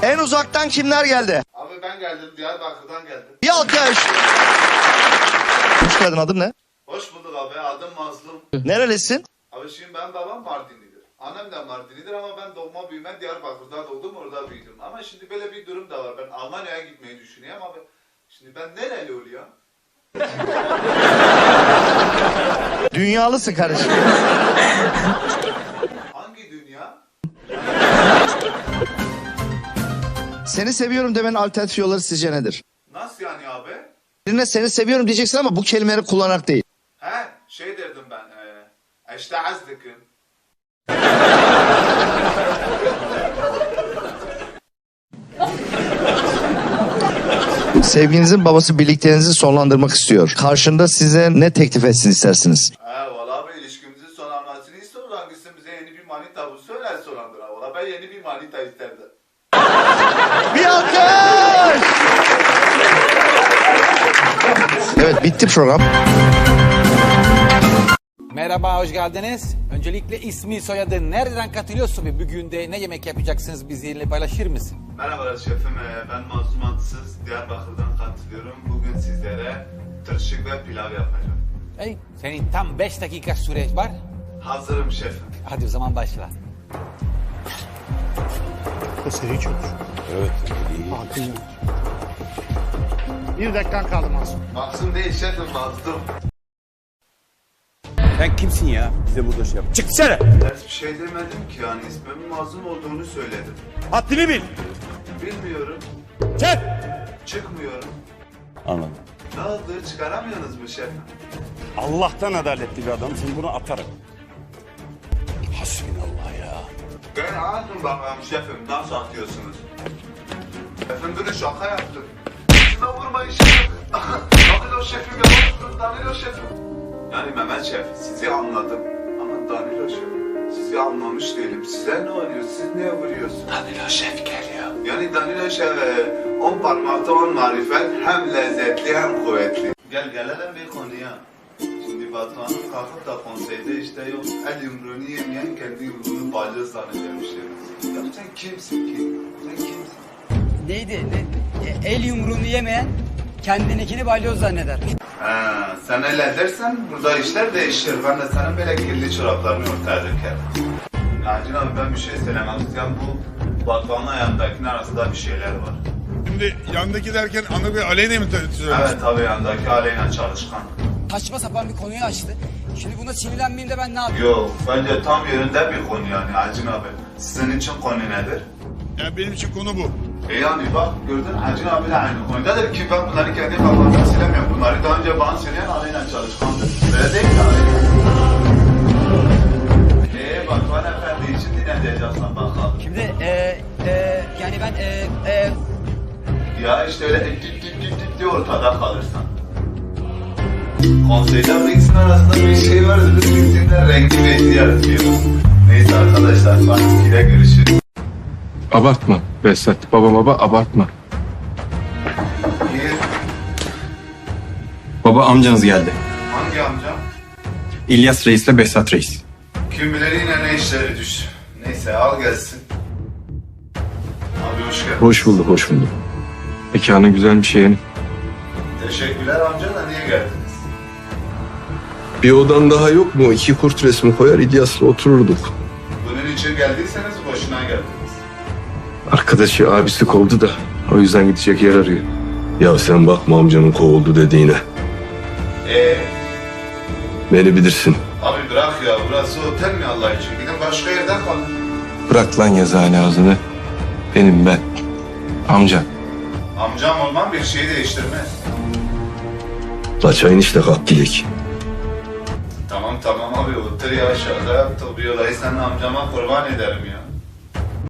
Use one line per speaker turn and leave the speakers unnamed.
En uzaktan kimler geldi?
Abi ben geldim, Diyarbakır'dan geldim.
Bir alkış. Hoş geldin, adın ne?
Hoş bulduk abi, adım Mazlum.
Nerelisin?
Abi şimdi benim babam Mardinlidir. Annem de Mardinlidir ama ben doğma büyüme Diyarbakır'da doğdum, orada büyüdüm. Ama şimdi böyle bir durum da var. Ben Almanya'ya gitmeyi düşünüyorum abi. Şimdi ben nereli oluyorum?
Dünyalısın kardeşim.
Hangi dünya?
Seni seviyorum demenin alternatif yolları sizce nedir?
Nasıl yani abi?
Birine seni seviyorum diyeceksin ama bu kelimeleri kullanarak değil.
He, şey derdim ben. İşte azdıkım.
Sevginizin babası birlikteliğinizi sonlandırmak istiyor. Karşında size ne teklif etsin istersiniz?
Valla abi ilişkimizin sonlanmasını istiyor. Hangisi bize yeni bir manita bu söyler sonlandır. Valla ben yeni bir manita isterdim.
Bir alkış! Evet, bitti program.
Merhaba, hoş geldiniz. Öncelikle ismi, soyadı, nereden katılıyorsun ve bugün de ne yemek yapacaksınız bizimle paylaşır mısın?
Merhabalar şefim, ben Mazlum Antısız Diyarbakır'dan katılıyorum. Bugün sizlere tırşık ve pilav yapacağım.
Hey, senin tam 5 dakika süre var.
Hazırım şefim.
Hadi o zaman başla.
Seri çok.
Evet.
Hakim. Bir dakikan kaldı Masum.
Mazlum değil şefim, Mazlum.
Sen kimsin ya? Bize burada şey yap. Çık dışarı.
Ters bir şey demedim ki yani ismimin Mazlum olduğunu söyledim.
Haddini bil.
Bilmiyorum,
Çık.
çıkmıyorum.
Anladım.
Ne oldu, çıkaramıyorsunuz mu şefim?
Allah'tan adaletli bir adamsın. Bunu atarım. Hasbinallah ya.
Ben anladım bakalım şefim, nasıl atıyorsunuz? Şefim dur, şaka yaptım. Şuna vurmayın şefim. Danilo şefim yavaş, Danilo şefim. Yani Mehmet Şef, sizi anladım. Ama Danilo Şef, sizi anlamış değilim. Size ne oluyor, siz niye vuruyorsunuz? Danilo Şef geliyor. Yani Danilo Şef, 10 parmakta 10 marifet, hem lezzetli hem kuvvetli. Gelelim bir konuya. Şimdi Batuhan'ın kalkıp da konseyde işte yok, el yumruğunu yemeyen kendi yumruğunu balyoz zannedermişler. Ya sen kimsin ki? Sen kimsin?
Neydi? El yumruğunu yemeyen kendininkini balyoz zanneder.
Sen öyle dersen burada işler değişir. Ben de senin böyle kirli çoraplarını ortaya dökerim. Nacin abi ben bir şey söylemem istiyorum. Bu Batuhan'ın ayağındakinin arasında bir şeyler var.
Şimdi yandaki derken Anıl Bey Aleyna mı söylüyorsun?
Evet tabii yandaki Aleyna Çalışkan.
Saçma sapan bir konuyu açtı. Şimdi buna sinirlenmeyeyim de ben ne yapayım?
Yok bence tam yerinde bir konu yani Acın abi. Sizin için konu nedir?
Yani benim için konu bu.
Yani bak gördün Acın abiyle aynı konudadır ki ben bunları kendi kafamdan silemiyorum. Bunları daha önce bana söyleyen Aleyna Çalışkan'dır. Öyle değil mi Aleyna? Batuhan Efendi için ne diyeceksin bakalım.
Şimdi yani ben
Ya işte öyle dip diye ortada kalırsan. Konseyde bu ikisinin arasında bir şey var. İkisinden renkli bir eti yaratıyor. Neyse arkadaşlar, Fatih'le görüşürüz.
Abartma Behzat. Baba abartma.
İyi.
Baba amcanız geldi.
Hangi amcam?
İlyas Reis'le Behzat Reis.
Kim bilir yine ne işleri düş. Neyse al gelsin. Abi hoş geldin.
Hoş bulduk, hoş bulduk. Mekanın güzelmiş yeğenim.
Teşekkürler amca da niye geldiniz?
Bir odan daha yok mu? 2 kurt resmi koyar İlyas'la otururduk.
Bunun için geldiyseniz boşuna geldiniz.
Arkadaşı abisi kovdu da o yüzden gidecek yer arıyor. Ya sen bakma amcanın kovuldu dediğine. Beni bilirsin.
Abi bırak ya, burası otel mi Allah için? Gidin başka yerde kalın.
Bırak lan yazıhane ağzını. Benim ben. Amca.
Amcam olmam bir şeyi değiştirmez.
La çayın işte kalk gidelim.
Tamam abi otur ya, şaka yaptık. Bir olayı senin amcama kurban ederim ya.